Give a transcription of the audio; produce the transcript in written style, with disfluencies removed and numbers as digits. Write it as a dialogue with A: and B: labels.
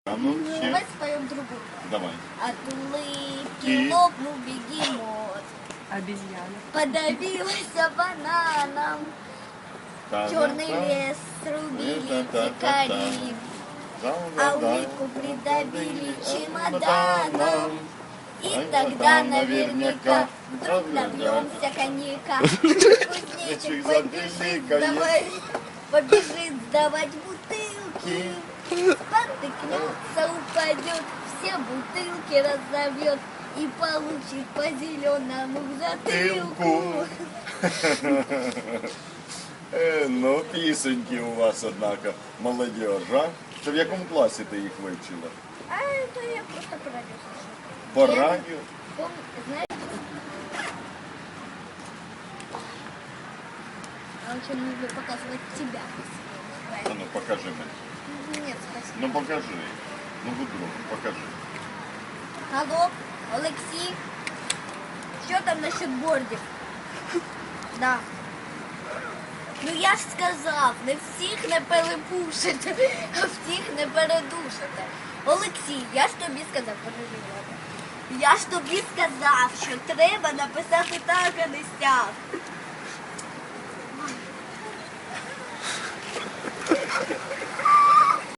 A: А ну,
B: Давай споем другую.
A: Давай.
B: От улыбки лопнул бегемот.
C: Обезьяна.
B: Подавилась бананом. Черный лес срубили дикари. А улыбку придавили чемоданом. И тогда наверняка вдруг набьемся коньяка. Кузнечик побежит сдавать бутылки. Спотыкнется, упадет, все бутылки разобьет и получит по зеленому затылку.
A: Ну, пісеньки у вас, однако, молодіж, а? Це в якому класі ти їх вивчила?
B: А это я просто по радио слушаю.
A: По радіо?
B: Знаешь, я очень люблю показывать тебя.
A: А ну, покажи мені.
B: Нет, спасибо.
A: Ну, покажи. Ну, будь другом, покажи.
B: Алло, Олексій, що там насчет бордів? Да. Ну я ж сказав, не всіх не перепушите, а всіх не передушите. Олексій, я ж тобі сказав, я ж тобі сказав, що треба написати так, а не сяк.